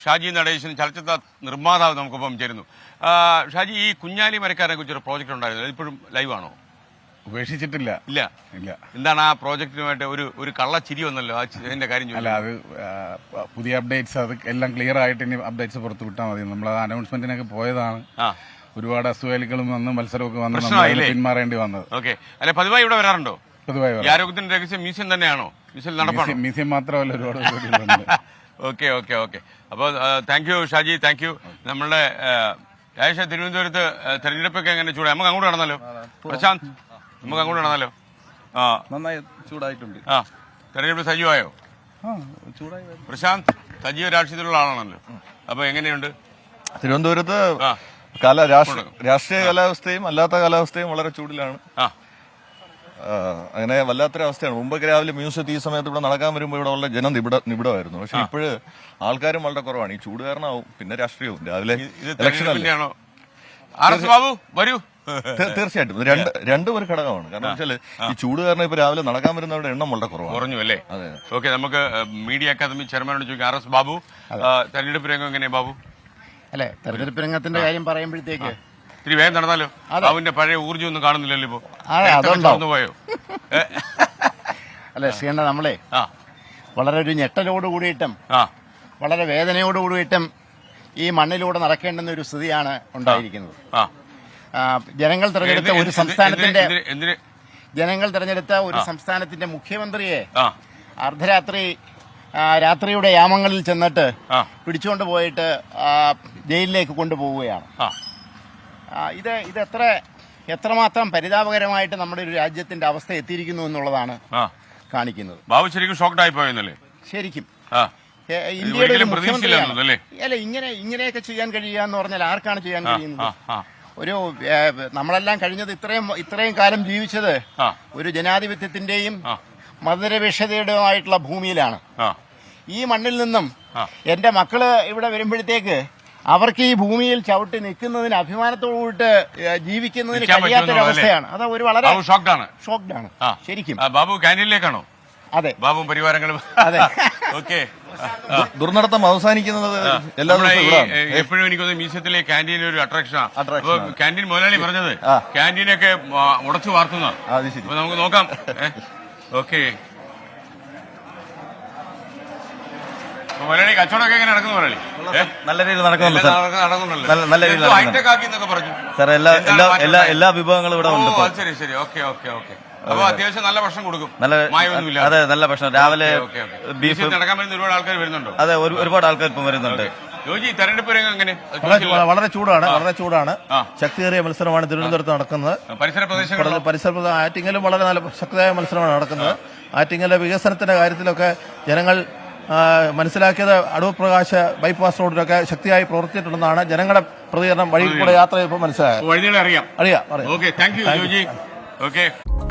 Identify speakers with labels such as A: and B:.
A: ഷാജി നടേശൻ ചലച്ചിത്ര നിർമ്മാതാവ് നമുക്കൊപ്പം ചേരുന്നു. ഷാജി, ഈ കുഞ്ഞാലി മരക്കാരനെ കുറിച്ചൊരു പ്രോജക്റ്റ് ഉണ്ടായിരുന്നു, ഇപ്പോഴും ലൈവാണോ?
B: ഉപേക്ഷിച്ചിട്ടില്ല.
A: ഇല്ല. എന്താണ് ആ പ്രോജക്റ്റിനുമായിട്ട് ഒരു കള്ളച്ചിരി വന്നല്ലോ, അതിന്റെ കാര്യം?
B: അല്ല, അത് പുതിയ അപ്ഡേറ്റ്സ്, അത് എല്ലാം ക്ലിയർ ആയിട്ട് ഇനി അപ്ഡേറ്റ്സ് പുറത്തു വിട്ടാൽ മതി. നമ്മൾ അനൗൺസ്മെന്റിനൊക്കെ പോയതാണ്. ഒരുപാട് അസുഖലികളും വന്ന് മത്സരമൊക്കെ വന്ന് പിന്മാറേണ്ടി വന്നത്.
A: ഓക്കെ. അല്ലെ, പതിവായി ഇവിടെ വരാറുണ്ടോ? പതിവായി. ആരോഗ്യത്തിന്റെ രഹസ്യം മ്യൂസിയം തന്നെയാണോ? മ്യൂസിയം നടപ്പാണോ?
B: മ്യൂസിയം മാത്രമല്ല, ഒരുപാട്.
A: Okay okay okay. അപ്പോൾ thank you Shaji, thank you. നമ്മളുടെ രാജേഷ, തിരുവനന്തപുരത്ത് തെരഞ്ഞെടുപ്പൊക്കെ എങ്ങനെ ചൂടായി? നമുക്ക് അങ്ങോട്ട് നടന്നല്ലോ. പ്രശാന്ത്, നമുക്ക് അങ്ങോട്ട് നടന്നല്ലോ.
C: നന്നായി ചൂടായിട്ടുണ്ട്.
A: തെരഞ്ഞെടുപ്പ് സജീവമായോ? പ്രശാന്ത് സജീവ രാഷ്ട്രീയത്തിലുള്ള ആളാണല്ലോ, അപ്പൊ എങ്ങനെയുണ്ട്
C: തിരുവനന്തപുരത്ത്? രാഷ്ട്രീയ കാലാവസ്ഥയും അല്ലാത്ത കാലാവസ്ഥയും വളരെ ചൂടിലാണ്. അങ്ങനെ വല്ലാത്തൊരവസ്ഥയാണ്. മുമ്പൊക്കെ രാവിലെ മ്യൂസിയത്തിൽ ഈ സമയത്ത് ഇവിടെ നടക്കാൻ വരുമ്പോൾ ഇവിടെ ഉള്ള ജനം നിബിഡമായിരുന്നു. പക്ഷെ ഇപ്പോഴ് ആൾക്കാരും വളരെ കുറവാണ്. ഈ ചൂട് കാരണമാവും, പിന്നെ രാഷ്ട്രീയവും. രാവിലെ തീർച്ചയായിട്ടും രണ്ടും ഒരു ഘടകമാണ്. കാരണം വെച്ചാൽ ഈ ചൂട് കാരണം ഇപ്പൊ രാവിലെ നടക്കാൻ വരുന്നവരുടെ എണ്ണം വളരെ കുറവാണ്.
A: കുറഞ്ഞു അല്ലേ? അതെ. ഓക്കെ, നമുക്ക് മീഡിയ അക്കാദമി ചെയർമാനോട് ചോദിക്കാം. RS ബാബു, തെരഞ്ഞെടുപ്പ് രംഗം എങ്ങനെയാ ബാബു?
D: അല്ലെ, തെരഞ്ഞെടുപ്പ് രംഗത്തിന്റെ കാര്യം പറയുമ്പോഴത്തേക്ക്
A: ഇത്തിരി വേഗം നടന്നാലോ? അവന്റെ പഴയ ഊർജ്ജം ഒന്നും കാണുന്നില്ലല്ലോ ഇപ്പൊ. പോയോ?
D: അല്ലെ ശ്രീകണ്ഠ, നമ്മളെ വളരെ ഒരു ഞെട്ടലോട് കൂടിയിട്ടും വളരെ വേദനയോട് കൂടിയിട്ടും ഈ മണ്ണിലൂടെ നടക്കേണ്ടുന്ന ഒരു സ്ഥിതിയാണ് ഉണ്ടായിരിക്കുന്നത്. ജനങ്ങൾ തെരഞ്ഞെടുത്ത ഒരു സംസ്ഥാനത്തിന്റെ മുഖ്യമന്ത്രിയെ രാത്രിയുടെ യാമങ്ങളിൽ ചെന്നിട്ട് പിടിച്ചുകൊണ്ട് പോയിട്ട് ജയിലിലേക്ക് കൊണ്ടുപോവുകയാണ്. ഇത് എത്രമാത്രം പരിതാപകരമായിട്ട് നമ്മുടെ ഒരു രാജ്യത്തിന്റെ അവസ്ഥ എത്തിയിരിക്കുന്നു എന്നുള്ളതാണ് കാണിക്കുന്നത്.
A: ബാബു ശരിക്കും ഷോക്ക്ഡ് ആയി പോയെന്നല്ലേ?
D: ശരിക്കും ഇന്ത്യയുടെ ഒരു മുഖ്യമന്ത്രിയാണ്. അല്ല, ഇങ്ങനെയൊക്കെ ചെയ്യാൻ കഴിയുക എന്ന് പറഞ്ഞാൽ ആർക്കാണ് ചെയ്യാൻ കഴിയുന്നത്? ഒരു നമ്മളെല്ലാം കഴിഞ്ഞത് ഇത്രയും കാലം ജീവിച്ചത് ഒരു ജനാധിപത്യത്തിന്റെയും മതനിരപേക്ഷതയുടെയുമായിട്ടുള്ള ഭൂമിയിലാണ്. ഈ മണ്ണിൽ നിന്നും എന്റെ മക്കള് ഇവിടെ വരുമ്പോഴത്തേക്ക് അവർക്ക് ഈ ഭൂമിയിൽ ചവിട്ടി നിൽക്കുന്നതിന് അഭിമാനത്തോടുകൂട്ട് ജീവിക്കുന്നതിന് കഴിയാത്തൊരവസ്ഥയാണ്. അത് ഒരു വളരെ ഷോക്ക്ഡ് ആണ് ശരിക്കും.
A: ബാബു ക്യാൻറ്റീനിലേക്കാണോ?
D: അതെ,
A: ബാബുവും പരിവാരങ്ങളും.
D: അതെ.
A: ഓക്കെ.
C: ദുർനടത്തം അവസാനിക്കുന്നത്
A: എപ്പോഴും എനിക്കൊന്ന് മ്യൂസിയത്തിലെ ക്യാൻറ്റീൻ ഒരു അട്രാക്ഷനാണ്. അപ്പൊ ക്യാൻറ്റീൻ മുതലാളി പറഞ്ഞത് ക്യാൻറ്റീനൊക്കെ ഉടച്ചു വാർത്തുന്ന. അപ്പൊ നമുക്ക് നോക്കാം. ഓക്കെ, മുതലാളി കച്ചവടമൊക്കെ എങ്ങനെ നടക്കുന്നു? മുതലാളി
C: നല്ല രീതിയിൽ നടക്കുന്നുണ്ട്. നല്ല രീതിയിൽ
A: ഹൈടെക് ആക്കി എന്നൊക്കെ പറഞ്ഞു.
C: സാർ, എല്ലാ വിഭവങ്ങളും ഇവിടെ ഉണ്ട്.
A: ശരി ശരി. Okay okay okay. അപ്പൊ അത്യാവശ്യം നല്ല ഭക്ഷണം കൊടുക്കും. മായൊന്നുമില്ല.
C: അതെ, നല്ല ഭക്ഷണം. രാവിലെ
A: ബീഫ് നടക്കാൻ വരുന്ന ഒരുപാട് ആൾക്കാർ വരുന്നുണ്ടോ?
C: അതെ, ഒരുപാട് ആൾക്കാർ ഇപ്പം വരുന്നുണ്ട്.
A: ജോജി, തെരഞ്ഞെടുപ്പ് രംഗം എങ്ങനെ?
E: വളരെ ചൂടാണ്. ശക്തിയേറിയ മത്സരമാണ് തിരുവനന്തപുരത്ത് നടക്കുന്നത്. പരിസര ആറ്റിങ്ങലും വളരെ നല്ല ശക്തമായ മത്സരമാണ് നടക്കുന്നത്. ആറ്റിങ്ങലെ വികസനത്തിന്റെ കാര്യത്തിലൊക്കെ ജനങ്ങൾ മനസ്സിലാക്കിയത് അടൂർ പ്രകാശ് ബൈപ്പാസ് റോഡിലൊക്കെ ശക്തിയായി പ്രവർത്തിച്ചിട്ടുണ്ടെന്നാണ് ജനങ്ങളുടെ പ്രതികരണം. വഴി കൂടെ യാത്ര ചെയ്യുമ്പോൾ മനസ്സിലായത്.
A: അറിയാം. Okay, thank you Joji. Okay.